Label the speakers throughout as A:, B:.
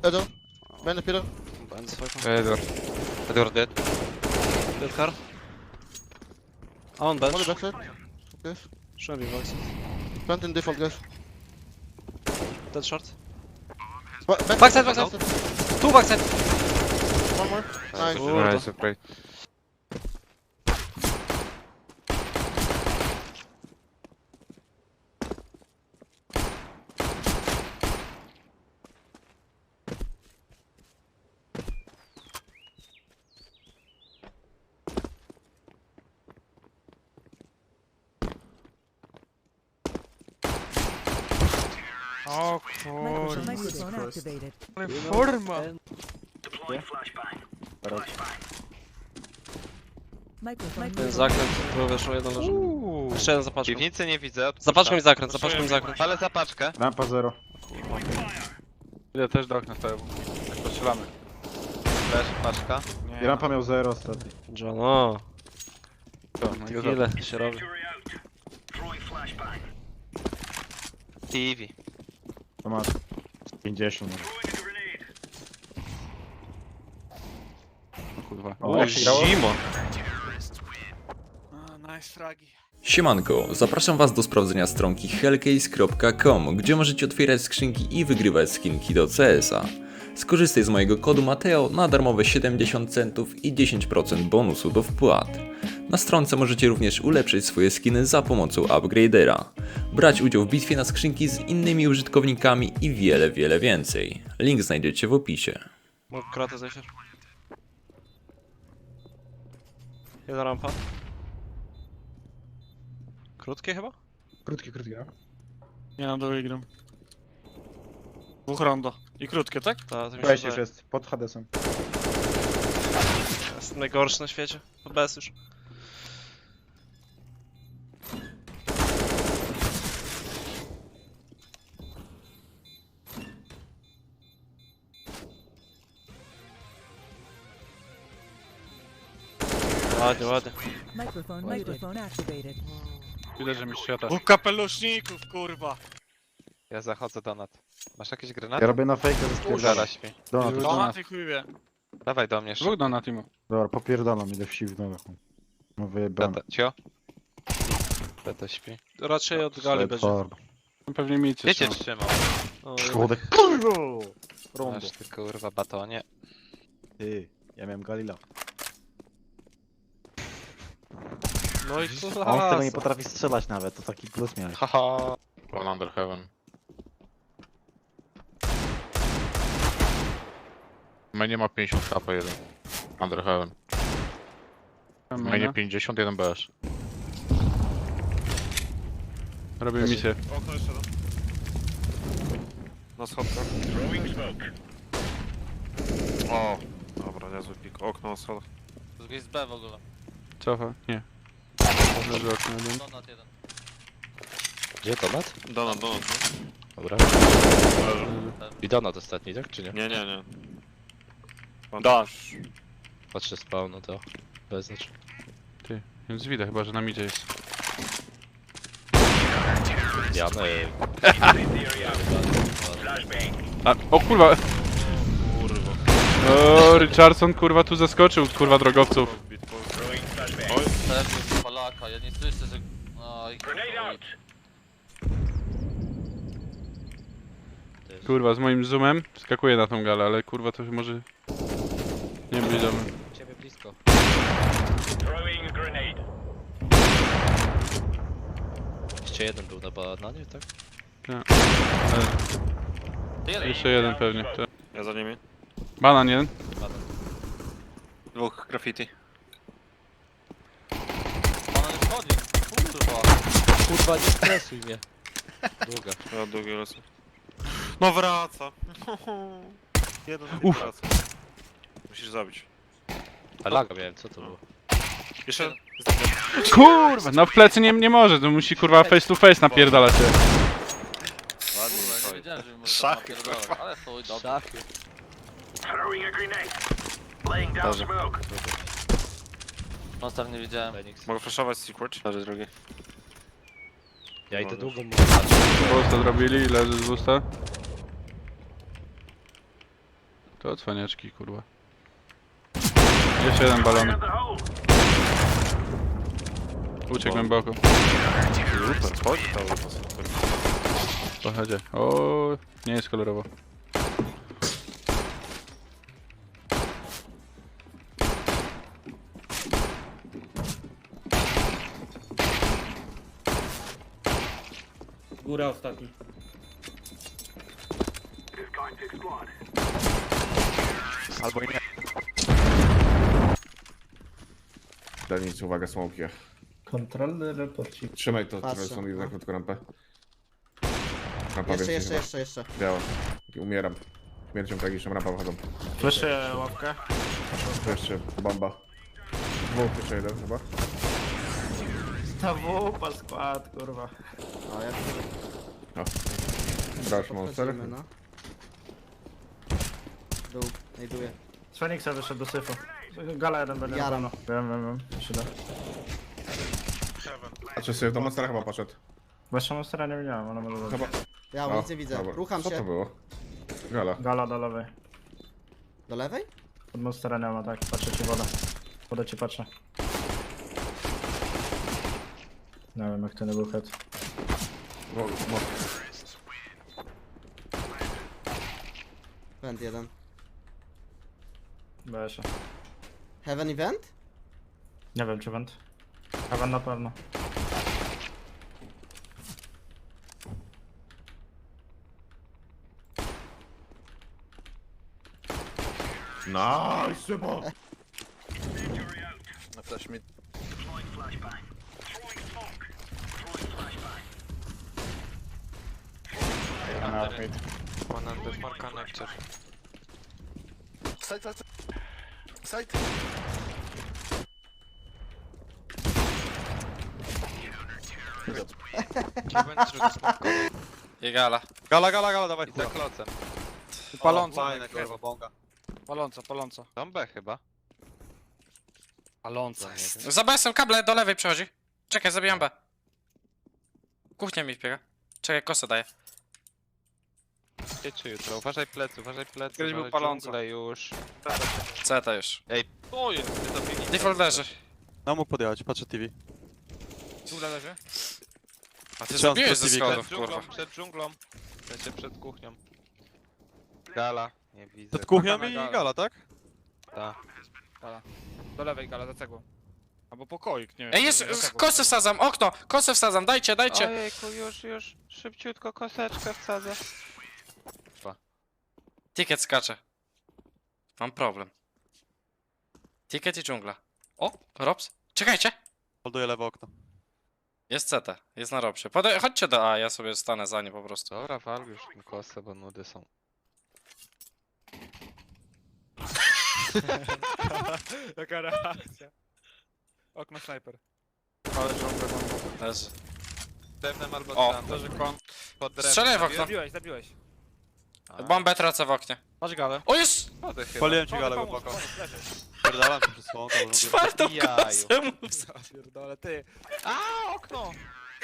A: Edor. Ben de pillar.
B: Behind the fight.
C: Edward dead.
B: Dead car. On bench.
A: Molly backside. Guys.
B: Should be box.
A: Plant in default, guys.
B: Dead short.
A: Backside.
B: Backside. Two backside.
A: One more. Nice.
B: Kurde.
C: Nice, great.
D: O
E: Microphone
D: kurwa.
E: activated.
D: Ale forma.
E: Microphone
B: Ten zakręt, był wyszło, jeden leży. Jeszcze jeden za paczką.
C: Piwnicy nie widzę.
B: Za paczką i zakręt, za paczką i zakręt.
C: Ale za paczkę.
F: Rampa 0.
D: Ja też do okna stoję. Jak postrzelamy.
C: Leż, paczka.
F: I rampa miał 0 ostatni.
B: Johno.
D: To, no i go
B: Ile się robi?
C: TV.
F: To masz 50 może.
D: kurwa.
F: O, jak się grało?
B: Zimo.
D: Nice fragi.
G: Siemanko, zapraszam Was do sprawdzenia stronki hellcase.com, gdzie możecie otwierać skrzynki i wygrywać skinki do CS-a. Skorzystaj z mojego kodu Mateo na darmowe 70 centów i 10% bonusu do wpłat. Na stronce możecie również ulepszyć swoje skiny za pomocą upgradera, brać udział w bitwie na skrzynki z innymi użytkownikami i wiele więcej. Link znajdziecie w opisie.
B: Mógł kratę zejść. Jedna rampa. Krótkie chyba?
F: Krótki, no.
D: Nie na dole gram. Dwóch rondo. I krótkie, tak?
B: Tak, to mi się
F: Weź już
B: wydaje.
F: jest, pod Hadesem.
B: Jest najgorszy na świecie. Bez już. Ładnie, ładnie.
E: Microphone activated.
D: Widać, że mi świata. Dwóch kapeluszników, kurwa.
C: Ja zachodzę donat. Masz jakieś
F: Ja
C: granaty?
F: robię na fejkę ze
C: Zara
F: spierdalam.
C: śpi.
F: Donat,
D: No,
F: donat.
D: ty chuj wie.
C: Dawaj do mnie
D: Dwóch na teamu.
F: Dobra, popierdalam, idę w siw nogach. No wyjebane.
C: Cio? Tata śpi.
B: Raczej od gali będzie.
D: Pewnie micie
C: Wiecie
D: są.
C: trzymał.
B: O,
F: Szkoda, kurwa! Rondo.
C: Masz ty kurwa batonie.
F: Ty, ja miałem Galila.
B: no i
F: On z tego nie
B: klasa.
F: potrafi strzelać nawet, to taki plus miałeś.
C: Haha.
H: One under heaven. Mainie ma 50 HP jeden. Under heaven. Mainie 50, jeden BS.
D: Robię misję.
B: Okno jeszcze raz. Na schodkach.
H: O!
B: Dobra, niezły pik. Okno na schodach.
C: Z B w ogóle.
D: Cofa? Nie. Leży okno jeden.
C: Donat jeden.
H: Gdzie donat?
B: Donat.
H: Dobra. I donat ostatni, tak czy nie?
B: Nie.
D: Dasz.
H: Patrzę spawn, no to bez znaczenia.
D: Ty, więc widać chyba, że na midzie jest.
H: Janek.
D: A, o kurwa! O, Richardson kurwa tu zaskoczył, kurwa drogowców.
C: Pewnie Polaka, ja nie słyszę, że... Oj,
D: Kurwa, z moim zoomem skakuje na tą galę, ale kurwa to może... Nie być dobry.
C: Ciebie blisko. Jeszcze jeden był na bananie, tak?
D: Jeszcze jeden pewnie. To.
B: Ja za nimi.
D: Banan jeden.
B: Dwóch graffiti.
C: Ona nie wchodzi. Kurwa. Kurwa, nie stresuj mnie. Długa.
B: Ja długi lecę. No wraca. Jeden wraca. Musisz zabić.
H: A laga miałem, co to było?
B: Jeszcze...
D: Kurwa, no w plecy nie może, to musi kurwa face to face napierdalać się.
C: Ładnie, nie wiedziałem, że
B: Szachy,
C: ale chuj, dobrze. Szachy.
H: Dobrze.
C: Monster nie widziałem.
B: Mogę flashować secret? Leży drugi.
H: Ja idę długo
D: Busta zrobili, leży z busta. To cwaniaczki, kurwa. Jeszcze jeden balony. Uciekł głęboko.
B: Super, chodź to super.
D: Pochodzie. O, nie jest kolorowo.
I: Góra ostatni.
B: Albo i nie.
J: Daj nic, uwaga, smoke.
I: Kontrolny reporcik.
J: Trzymaj to,
A: Patrzę,
J: trzymaj sobie
A: no.
J: na krótką rampę. Rampa
A: Jeszcze,
J: więcej
A: jeszcze,
J: chyba.
A: jeszcze.
J: Biała. Umieram. Śmiercią tragiczną, rampa wychodzą.
B: Fleszę łapkę.
J: Tu jeszcze bomba. Dwóch, jeszcze jeden chyba.
I: Ta wupa skład, kurwa.
A: A jak
J: Crash monster.
A: podchodzimy, no. Dół, znajduję.
I: Z Feniksa wyszedł do syfu. Gala jeden będzie.
A: Jaram.
I: Wiem. Się da.
J: Patrzę sobie, do monstera chyba poszedł.
I: Bo jeszcze monstera nie widziałem, ale może być.
J: Chyba.
A: Ja
J: O,
A: nic nie widzę.
J: dobra.
A: Rucham
J: Co to
A: się.
J: było? Gala.
I: Gala do lewej.
A: Do lewej?
I: Pod monstera nie ma, tak. Patrzę ci wodę. Wodę ci patrzę. Nie wiem jak to nie był head.
A: Vent jeden.
I: Boję się.
A: Heaven event?
I: Nie wiem czy węd. Heaven na pewno.
J: Nice, bo.
C: No też mi... One under more connector. Side.
B: I gala.
C: Gala, dawaj.
B: I za klocem.
C: Paląca.
B: Fajne, kurwa,
C: bonga. Paląca. Tam B chyba. Paląca jest.
B: Za BS-em kable do lewej przechodzi. Czekaj, zabijam B. Kuchnia mi wbiega. Czekaj, kosę daję.
C: Czy jutro? Uważaj plecy.
B: Kiedyś był palący.
C: Już.
B: CT już.
C: Ej, to jest.
B: Default leży.
K: No mógł podjechać, patrzę TV.
B: Dżungla leży. A ty
K: Trzymam
B: zabiłeś ze
K: TV,
B: schodów, kurwa.
C: Przed dżunglą. W sensie przed kuchnią. Gala. Nie widzę.
K: Przed kuchnią i gala, tak?
C: Ta.
B: Do lewej gala, za cegłą. Albo pokoik, nie wiem.
L: Ej, jest, kosę wsadzam, okno, kosę wsadzam, dajcie.
C: Ojejku, już. Szybciutko koseczkę wsadzę.
L: Ticket skacze. Mam problem. Ticket i dżungla. O, Robs, czekajcie.
K: Holduję lewe okno.
L: Jest CT, jest na Robsie. Chodźcie do A, ja sobie stanę za nie po prostu.
C: Dobra, wal już tym kosę, bo nudy są.
B: Jaka reakcja. Okno snajper.
L: Leży.
C: Pewnym albo
L: O,
C: tam.
B: Leży kon.
C: Pod drewnem.
L: Strzelaj w okno.
B: Zabiłeś.
L: Bombę tracę w oknie.
B: Masz galę.
L: O, jest!
C: Wody chyba.
K: Paliłem ci galę głęboko. Pierdalam się przez słonko.
L: Czwartą
C: Jaju.
L: kosę mu
B: Pierdolę, ty.
C: A, okno!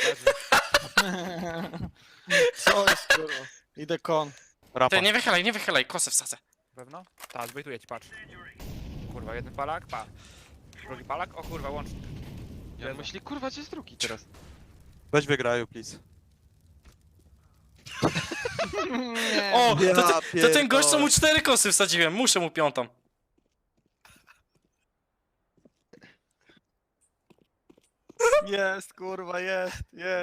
B: Co jest, kurwa? Idę kon.
K: Rampa.
L: Ty, nie wychylaj, kosę wsadzę.
B: Pewno? Tak, zbejtuję ci, patrz. Kurwa, jeden palak, pa. Drugi palak, o kurwa, łącznik.
C: Ja myśli, kurwa, gdzie jest drugi teraz?
K: Weź wygraju, please.
L: O, to ten gość, co mu 4 kosy wsadziłem, muszę mu 5.
K: Jest, kurwa, jest.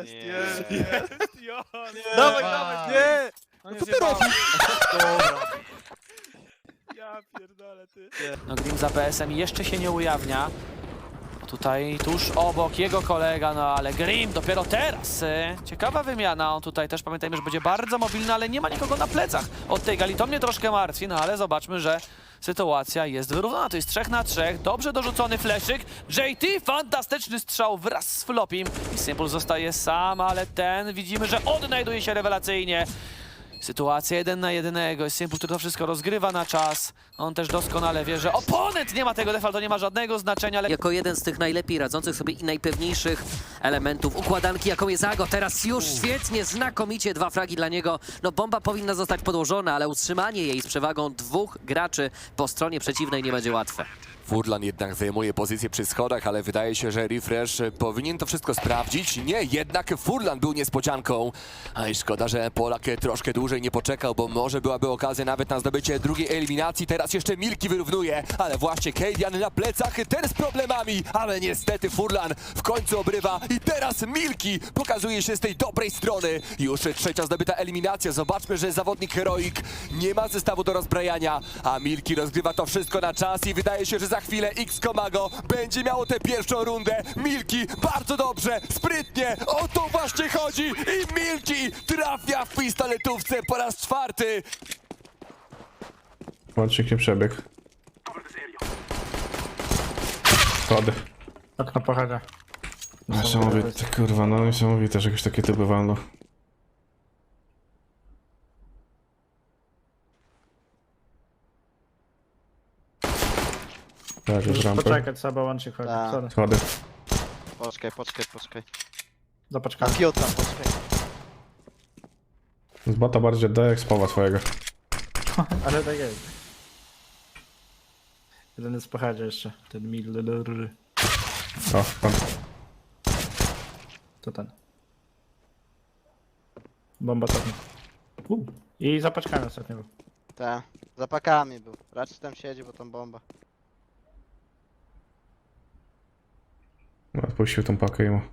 B: Dawaj,
K: Nie!
B: No co ty robisz? Dobra. Ja pierdolę, ty.
I: No Grim za BS-em jeszcze się nie ujawnia. Tutaj tuż obok jego kolega, no ale Grim dopiero teraz. Ciekawa wymiana, on tutaj też pamiętajmy, że będzie bardzo mobilny, ale nie ma nikogo na plecach od tej gali. To mnie troszkę martwi, no ale zobaczmy, że sytuacja jest wyrównana. To jest 3 na 3, dobrze dorzucony fleszyk. JT, fantastyczny strzał wraz z Flopim i Simple zostaje sam, ale ten widzimy, że odnajduje się rewelacyjnie. Sytuacja 1 na 1. Jest Simple, który to wszystko rozgrywa na czas. On też doskonale wie, że oponent nie ma tego defa, to nie ma żadnego znaczenia, ale
M: Jako jeden z tych najlepiej radzących sobie i najpewniejszych elementów układanki, jaką jest Ago. Teraz już świetnie, znakomicie 2 fragi dla niego. No bomba powinna zostać podłożona, ale utrzymanie jej z przewagą 2 graczy po stronie przeciwnej nie będzie łatwe.
N: Furlan jednak zajmuje pozycję przy schodach, ale wydaje się, że Refresh powinien to wszystko sprawdzić. Nie, jednak Furlan był niespodzianką. A i szkoda, że Polak troszkę dłużej nie poczekał, bo może byłaby okazja nawet na zdobycie drugiej eliminacji. Teraz jeszcze Milki wyrównuje, ale właśnie Kadian na plecach, ten z problemami. Ale niestety Furlan w końcu obrywa i teraz Milki pokazuje się z tej dobrej strony. Już trzecia zdobyta eliminacja. Zobaczmy, że zawodnik Heroic nie ma zestawu do rozbrajania, a Milki rozgrywa to wszystko na czas i wydaje się, że za chwilę X-Komago będzie miało tę pierwszą rundę. Milki bardzo dobrze, sprytnie, o to właśnie chodzi i Milki trafia w pistoletówce po raz 4.
J: Łącznik nie przebiegł. Schody.
F: Okno pochada.
J: Niesamowite, kurwa, no niesamowite, że jakieś takie typy walną. Tak, już rampy.
F: Poczekać, trzeba łącznik chodzi.
A: Tak.
J: Schody.
A: Poczekaj.
F: Zapaczkamy.
A: Piota, poczekaj.
J: Z bota bardziej oddaję jak z powa swojego.
F: Ale tak jest. Jeden jest w pochadzie jeszcze. Ten mil.
J: O, pan.
F: To ten. Bomba to. I zapaczkamy ostatnio.
A: Tak, za pakami był. Raczej tam siedzi, bo tam bomba.
J: No, odpuścił tą pakę i mu.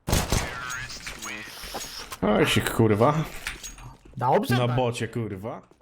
J: Oj, kurwa.
F: Dobrze.
J: Na bocie, kurwa.